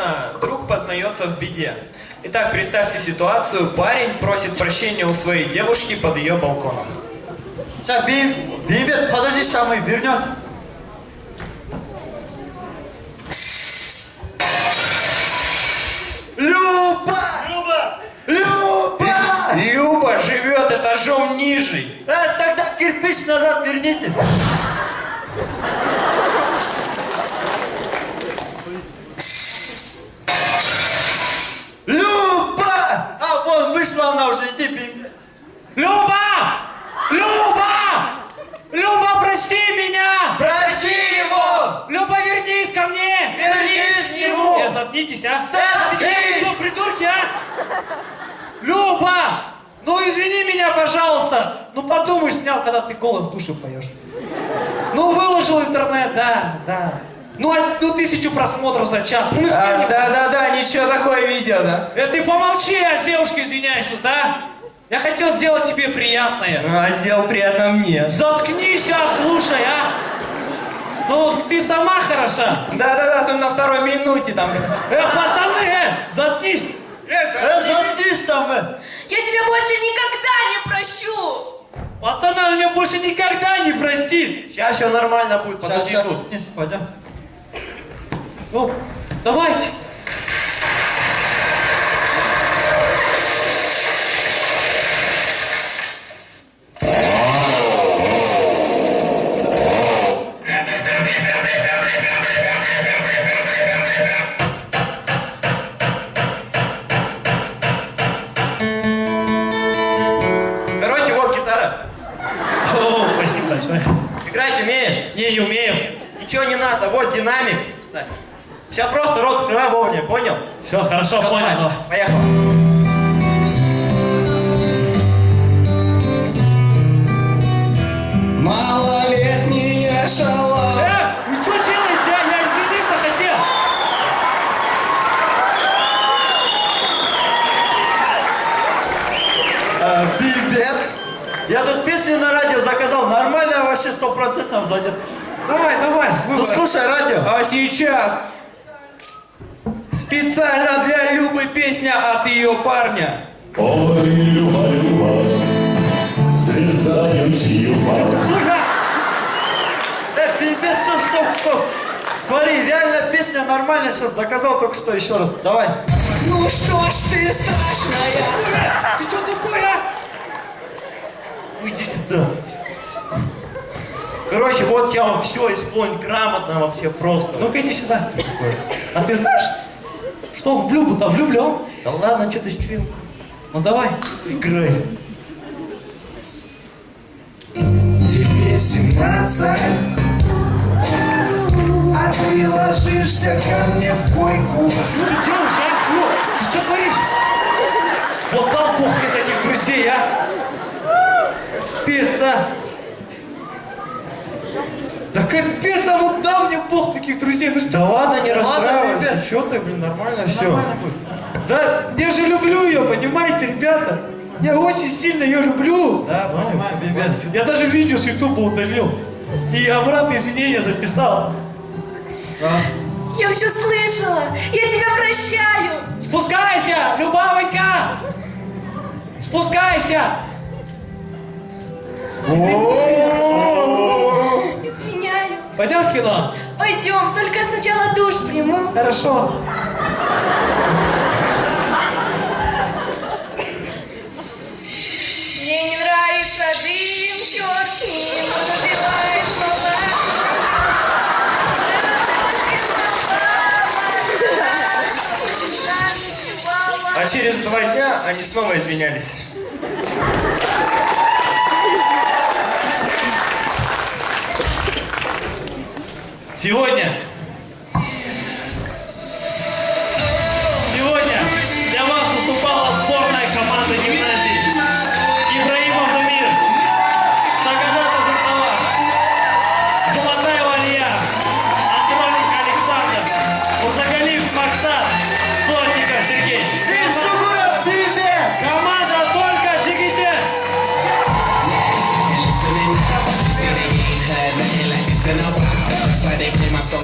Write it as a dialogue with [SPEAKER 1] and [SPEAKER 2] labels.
[SPEAKER 1] Антона друг познается в беде. Итак, представьте ситуацию. Парень просит прощения у своей девушки под ее балконом.
[SPEAKER 2] Сейчас, Бейбет, подожди, сейчас мы вернемся. Люба!
[SPEAKER 3] Люба!
[SPEAKER 2] Люба!
[SPEAKER 1] Люба живет этажом ниже.
[SPEAKER 2] Тогда кирпич назад верните. Люба! А, вон, вышла она уже, иди, Бейбет.
[SPEAKER 4] Люба! Люба! Люба, прости меня!
[SPEAKER 2] Прости его!
[SPEAKER 4] Люба, вернись ко мне!
[SPEAKER 2] Вернись к нему!
[SPEAKER 4] Заткнитесь, а!
[SPEAKER 2] Заткнись!
[SPEAKER 4] Что, придурки, а? Люба! Ну, извини меня, пожалуйста. Ну, подумаешь, снял, когда ты голый в душе поешь. Ну, выложил в интернет, да. Ну, 1000 просмотров за час. Ну,
[SPEAKER 1] Да, ничего, такое видео, да.
[SPEAKER 4] ты помолчи, я с девушкой извиняюсь тут, а? Я хотел сделать тебе приятное.
[SPEAKER 1] А сделал приятно мне.
[SPEAKER 4] Заткнись, слушай, а! Ну, ты сама хороша.
[SPEAKER 1] Да, особенно на второй минуте там.
[SPEAKER 4] Пацаны, заткнись!
[SPEAKER 2] Заткнись там,
[SPEAKER 5] Я тебя больше никогда не прощу!
[SPEAKER 4] Пацаны, она меня больше никогда не простит.
[SPEAKER 3] Сейчас все нормально будет, подожди
[SPEAKER 2] Сейчас,
[SPEAKER 3] тут.
[SPEAKER 2] вниз, пойдем.
[SPEAKER 4] Ну, давайте.
[SPEAKER 3] Короче, вот гитара.
[SPEAKER 4] О, спасибо большое.
[SPEAKER 3] Играть умеешь?
[SPEAKER 4] Не умею.
[SPEAKER 3] Ничего не надо, вот динамик. Сейчас просто рот открывай вовремя, понял?
[SPEAKER 4] Все, хорошо,
[SPEAKER 3] Всё,
[SPEAKER 4] понял.
[SPEAKER 3] давай, поехал.
[SPEAKER 1] Малолетняя шала.
[SPEAKER 4] Вы что делаете, а? Я извиниться хотел.
[SPEAKER 2] Бибет. Я тут песню на радио заказал, нормально, вообще 100% зайдет.
[SPEAKER 4] Давай.
[SPEAKER 2] Ну слушай радио.
[SPEAKER 1] А сейчас специально для Любы песня от ее парня.
[SPEAKER 6] Ой, Люба, Люба, звезда Ютьюба.
[SPEAKER 2] Бибет, стоп. Смотри, реально песня нормальная, сейчас заказал только что, еще раз. Давай.
[SPEAKER 1] Ну что ж ты страшная.
[SPEAKER 4] Ты что тупой, а?
[SPEAKER 3] Уйди сюда. Короче, вот я все исполнить грамотно вообще просто.
[SPEAKER 4] Ну-ка иди сюда. А ты знаешь, что он в Любу-то влюблен?
[SPEAKER 3] Да ладно, что ты с чуем?
[SPEAKER 4] Ну давай.
[SPEAKER 3] Играй.
[SPEAKER 7] Тебе 17, а ты ложишься ко мне в койку.
[SPEAKER 4] Что ты делаешь, а? Фу, ты что творишь? Вот дал Бог мне таких друзей, а? Пицца. Да капец, а вот дал мне Бог таких друзей. Ну что?
[SPEAKER 3] Да ладно, не
[SPEAKER 2] Ладно,
[SPEAKER 3] расстраивайся.
[SPEAKER 2] ребят.
[SPEAKER 3] Что ты, блин, нормально все.
[SPEAKER 2] Нормально будет.
[SPEAKER 4] Да, я же люблю ее, понимаете, ребята? Я очень сильно ее люблю.
[SPEAKER 2] Да, понимаю, Бибет.
[SPEAKER 4] Я даже видео с Ютуба удалил. И обратно извинения записал.
[SPEAKER 5] Я все слышала! Я тебя прощаю!
[SPEAKER 4] Спускайся, Любавонька! Спускайся!
[SPEAKER 5] Извиняю.
[SPEAKER 4] Пойдем в кино?
[SPEAKER 5] Пойдем, только сначала душ приму.
[SPEAKER 4] Хорошо.
[SPEAKER 5] Мне не нравится дым, черт с ним, он убивает слова.
[SPEAKER 1] А через 2 дня они снова извинялись.
[SPEAKER 4] Сегодня